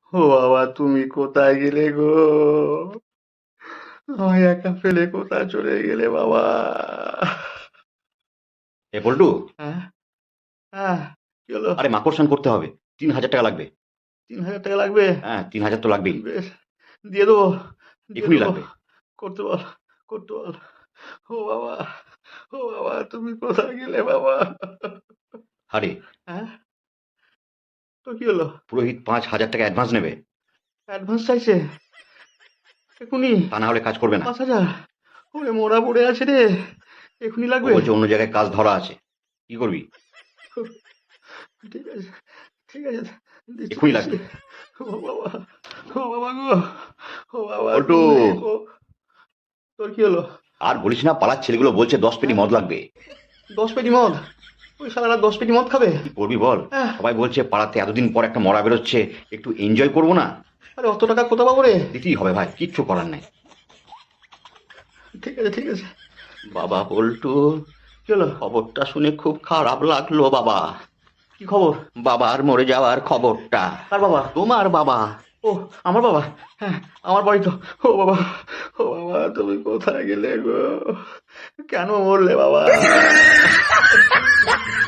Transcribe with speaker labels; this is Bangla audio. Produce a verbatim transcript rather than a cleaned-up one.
Speaker 1: ও বাবা, তুমি কোথায় গেলে গো? আমায় একা ফেলে কোথায় চলে গেলে বাবা?
Speaker 2: এ পল্টু,
Speaker 1: হ্যাঁ, হ্যাঁ, কি হলো?
Speaker 2: আরে মাকড়সান করতে হবে। তিন হাজার টাকা লাগবে।
Speaker 1: তিন হাজার টাকা লাগবে?
Speaker 2: হ্যাঁ, তিন হাজার তো লাগবেই।
Speaker 1: বেশ, দিয়ে দেবো, দিয়ে
Speaker 2: এখনই
Speaker 1: দেবো।
Speaker 2: লাগবে।
Speaker 1: করতে বল, করতে বল। ও বাবা, ও বাবা, তুমি কোথায় গেলে বাবা?
Speaker 2: আরে,
Speaker 1: হ্যাঁ, তো কি হলো?
Speaker 2: পুরোহিত পাঁচ হাজার টাকা অ্যাডভান্স নেবে।
Speaker 1: অ্যাডভান্স চাইছে এখুনি?
Speaker 2: তা না হলে কাজ করবে না।
Speaker 1: পাঁচ হাজার? ওরে মোড়া পড়ে আছে রে, এখুনি
Speaker 2: ও
Speaker 1: লাগবে?
Speaker 2: বলছে অন্য জায়গায় কাজ ধরা আছে। কি করবি?
Speaker 1: ঠিক আছে, ঠিক আছে, দিচ্ছি
Speaker 2: এখনই
Speaker 1: দিচ্ছি।
Speaker 2: লাগবে।
Speaker 1: ও বাবা, ও বাবা গো, ও বাবা
Speaker 2: পল্টু,
Speaker 1: তুমি ও, তোর কি হলো?
Speaker 2: আর বলিস না, পাড়ার ছেলেগুলো বলছে দশ পেটি
Speaker 1: হ্যাঁ,
Speaker 2: মদ লাগবে।
Speaker 1: দশ পেটি মদ? ওই শালারা দশ পেটি মদ খাবে?
Speaker 2: কি করবি বল?
Speaker 1: হ্যাঁ,
Speaker 2: সবাই বলছে পাড়াতে এতদিন পর একটা মরা বেরোচ্ছে, একটু এনজয় করবো না?
Speaker 1: আরে অত টাকা কোথা পাবো রে?
Speaker 2: দিতেই হবে ভাই, কিচ্ছু করার নাই।
Speaker 1: ঠিক আছে, ঠিক আছে। বাবা পল্টু, কি হলো?
Speaker 2: খবরটা শুনে খুব খারাপ লাগলো বাবা।
Speaker 1: কি খবর?
Speaker 2: বাবার মরে যাওয়ার খবরটা।
Speaker 1: কার বাবা?
Speaker 2: তোমার বাবা।
Speaker 1: ও, আমার বাবা? হ্যাঁ, আমার বাড়ি তো। ও বাবা, ও বাবা, তুমি কোথায় গেলে গো? কেন মরলে বাবা?